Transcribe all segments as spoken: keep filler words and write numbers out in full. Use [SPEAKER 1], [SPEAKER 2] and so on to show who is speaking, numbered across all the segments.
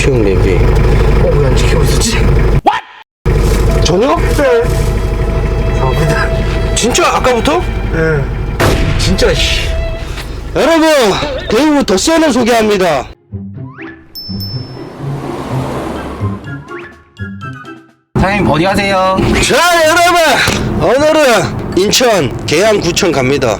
[SPEAKER 1] 수영 내비.
[SPEAKER 2] 어, 왜 안 지키고 있었지?
[SPEAKER 1] 전혀?
[SPEAKER 2] 네. 감사합니다.
[SPEAKER 1] 진짜 아까부터?
[SPEAKER 2] 네.
[SPEAKER 1] 진짜 씨. 여러분, 대우 덧센을 소개합니다.
[SPEAKER 2] 사장님 어디 가세요?
[SPEAKER 1] 자, 여러분, 오늘은 인천 계양구청 갑니다.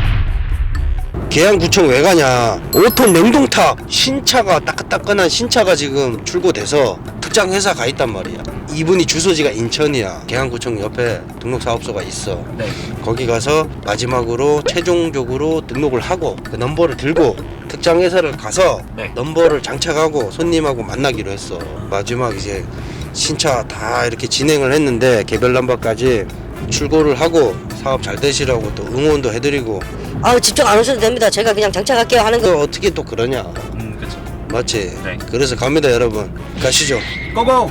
[SPEAKER 1] 계양구청 왜 가냐? 오 톤 냉동탑 신차가 따끈따끈한 신차가 지금 출고돼서 특장 회사 가 있단 말이야. 이분이 주소지가 인천이야. 계양구청 옆에 등록사업소가 있어.
[SPEAKER 2] 네.
[SPEAKER 1] 거기 가서 마지막으로 최종적으로 등록을 하고 그 넘버를 들고 특장 회사를 가서
[SPEAKER 2] 네.
[SPEAKER 1] 넘버를 장착하고 손님하고 만나기로 했어. 마지막 이제 신차 다 이렇게 진행을 했는데 개별 넘버까지 출고를 하고 사업 잘 되시라고 또 응원도 해드리고.
[SPEAKER 3] 아우 집중 안 오셔도 됩니다. 제가 그냥 장착할게요 하는 거.
[SPEAKER 1] 또 어떻게 또 그러냐.
[SPEAKER 2] 음, 그쵸.
[SPEAKER 1] 맞지?
[SPEAKER 2] 네.
[SPEAKER 1] 그래서 갑니다 여러분. 가시죠.
[SPEAKER 2] 고고!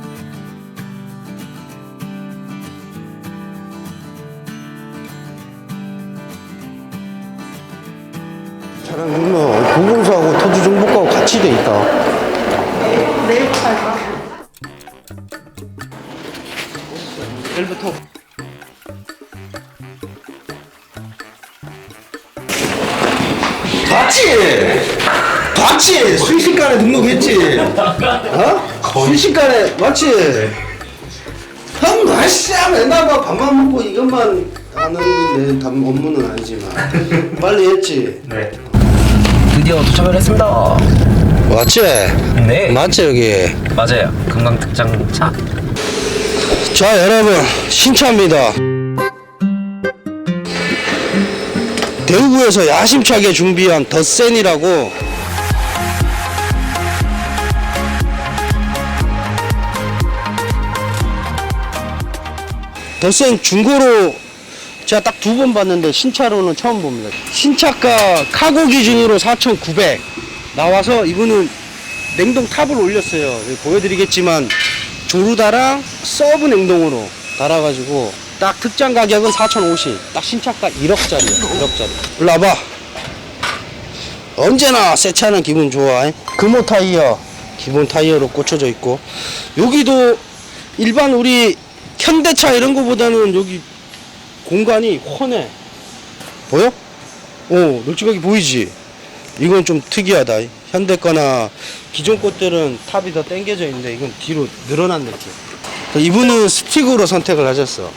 [SPEAKER 1] 차량 보면 보금소하고 토지 정보과하고 같이 돼 있다.
[SPEAKER 2] 내일부터
[SPEAKER 1] 봤지? 봤지? 순식간에 등록했지? 어? 순식간에 맞지? 형 날씨야 맨날 막 밥만 먹고 이것만 하는 건데 단 업무는 아니지만 빨리 했지?
[SPEAKER 2] 네. 드디어 도착을 했습니다.
[SPEAKER 1] 맞지?
[SPEAKER 2] 네.
[SPEAKER 1] 맞지 여기?
[SPEAKER 2] 맞아요. 금강특장차.
[SPEAKER 1] 자 여러분 신차입니다. 대구에서 야심차게 준비한 덧센이라고 덧센 중고로 제가 딱 두 번 봤는데 신차로는 처음 봅니다. 신차가 카고 기준으로 사천구백 나와서 이분은 냉동 탑을 올렸어요. 여기 보여드리겠지만 조르다랑 서브 냉동으로 달아가지고 딱 특장 가격은 사천오십. 딱 신차가 일억짜리야. 일억짜리. 일로 와봐. 언제나 새 차는 기분 좋아. 금호 타이어 기본 타이어로 꽂혀져 있고 여기도 일반 우리 현대차 이런 거보다는 여기 공간이 훤해. 보여? 어, 널찍하게 보이지? 이건 좀 특이하다. 현대 거나 기존 것들은 탑이 더 당겨져 있는데 이건 뒤로 늘어난 느낌. 이분은 스틱으로 선택을 하셨어.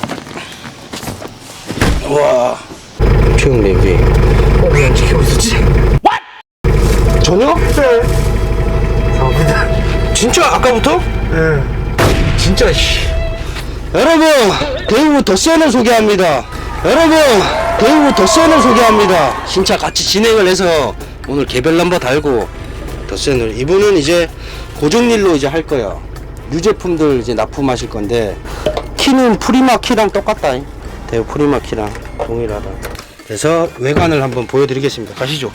[SPEAKER 1] 와. 수영 내비.
[SPEAKER 2] 어, 왜 안 지키고 있었지?
[SPEAKER 1] 전혀?
[SPEAKER 2] 네. 감사합니다.
[SPEAKER 1] 진짜 아까부터?
[SPEAKER 2] 네.
[SPEAKER 1] 진짜 씨. 여러분, 대우 덧센을 소개합니다. 여러분, 대우 덧센을 소개합니다. 신차 같이 진행을 해서 오늘 개별 넘버 달고 덧센을. 이분은 이제 고정일로 이제 할 거야. 유제품들 이제 납품하실 건데 키는 프리마 키랑 똑같다. 대우 프리마 키랑 동일하다. 그래서 외관을 한번 보여드리겠습니다. 가시죠.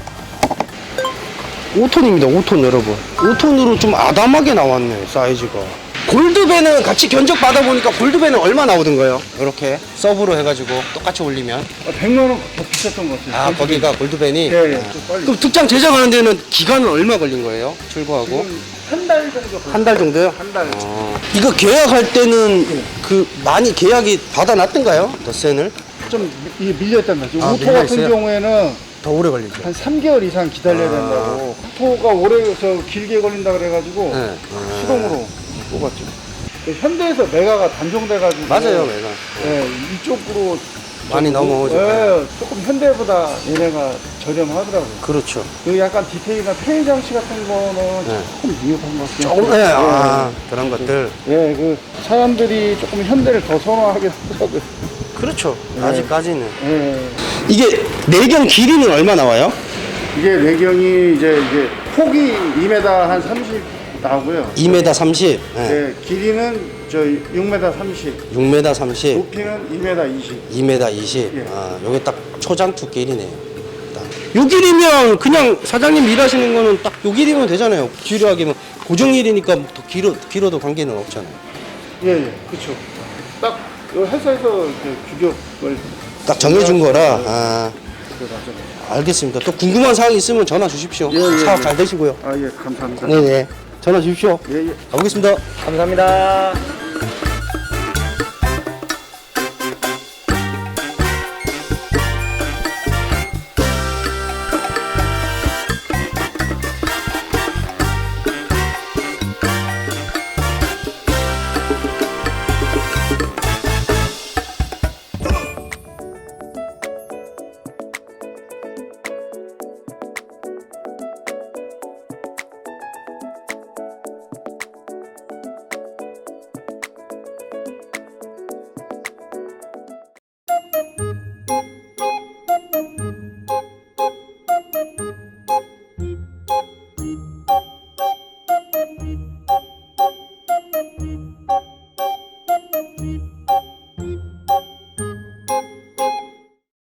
[SPEAKER 1] 오 톤입니다. 오 톤 여러분. 오 톤으로 좀 아담하게 나왔네 사이즈가. 골드밴은 같이 견적 받아보니까 골드밴은 얼마 나오던가요? 이렇게 서브로 해가지고 똑같이 올리면.
[SPEAKER 4] 백만 원 더 비쌌던 것 같아요.
[SPEAKER 1] 아 거기가 골드밴이?
[SPEAKER 4] 예, 예.
[SPEAKER 1] 아.
[SPEAKER 4] 좀 빨리.
[SPEAKER 1] 그럼 특장 제작하는 데는 기간은 얼마 걸린 거예요? 출고하고?
[SPEAKER 4] 한 달 정도.
[SPEAKER 1] 한 달 정도요?
[SPEAKER 4] 한 달.
[SPEAKER 1] 어. 이거 계약할 때는 그 많이 계약이 받아놨던가요? 덧센을?
[SPEAKER 4] 좀 이- 밀렸단 말이죠.
[SPEAKER 1] 아,
[SPEAKER 4] 오토
[SPEAKER 1] 밀려
[SPEAKER 4] 같은
[SPEAKER 1] 있어요?
[SPEAKER 4] 경우에는
[SPEAKER 1] 더 오래 걸리죠?
[SPEAKER 4] 한 삼 개월 이상 기다려야
[SPEAKER 1] 아.
[SPEAKER 4] 된다고. 오토가 오래 저 길게 걸린다 그래가지고
[SPEAKER 1] 네. 아.
[SPEAKER 4] 수동으로 뽑았죠. 현대에서 메가가 단종돼가지고.
[SPEAKER 1] 맞아요 내가.
[SPEAKER 4] 예, 이쪽으로
[SPEAKER 1] 많이
[SPEAKER 4] 좀-
[SPEAKER 1] 넘어오죠.
[SPEAKER 4] 예, 조금 현대보다 얘네가 저렴하더라고요.
[SPEAKER 1] 그렇죠.
[SPEAKER 4] 그 약간 디테일이나 페인 장치 같은 거는
[SPEAKER 1] 네.
[SPEAKER 4] 조금 미흡한 것 같아요.
[SPEAKER 1] 조금, 네, 아, 그런 것들.
[SPEAKER 4] 예, 그 사람들이 조금 현대를 더 선호하게 하더라고요.
[SPEAKER 1] 그렇죠.
[SPEAKER 4] 네.
[SPEAKER 1] 아직까지는.
[SPEAKER 4] 예.
[SPEAKER 1] 이게 내경 길이는 얼마 나와요?
[SPEAKER 4] 이게 내경이 이제 이게 폭이 이 미터 한 삼십 나오고요.
[SPEAKER 1] 이 미터 삼십. 네.
[SPEAKER 4] 예, 길이는 저 육 미터 삼십,
[SPEAKER 1] 육 미터 삼십.
[SPEAKER 4] 높이는 이 미터 이십.
[SPEAKER 1] 이 미터 이십.
[SPEAKER 4] 예.
[SPEAKER 1] 아, 요게 딱 초장투 길이네요. 딱. 요 길이면 그냥 사장님 일하시는 거는 딱 요 길이면 되잖아요. 길이하게 뭐 고정일이니까 더 길어, 길어도 관계는 없잖아요.
[SPEAKER 4] 예, 예, 그렇죠. 딱 요 회사에서 이렇게 규격을
[SPEAKER 1] 딱 정해준 거라. 아,
[SPEAKER 4] 네, 맞아요.
[SPEAKER 1] 알겠습니다. 또 궁금한 사항 있으면 전화 주십시오.
[SPEAKER 4] 예, 예,
[SPEAKER 1] 사업
[SPEAKER 4] 예.
[SPEAKER 1] 잘 되시고요.
[SPEAKER 4] 아, 예, 감사합니다.
[SPEAKER 1] 네네. 전화 주십시오.
[SPEAKER 4] 예, 예.
[SPEAKER 1] 가보겠습니다.
[SPEAKER 2] 감사합니다.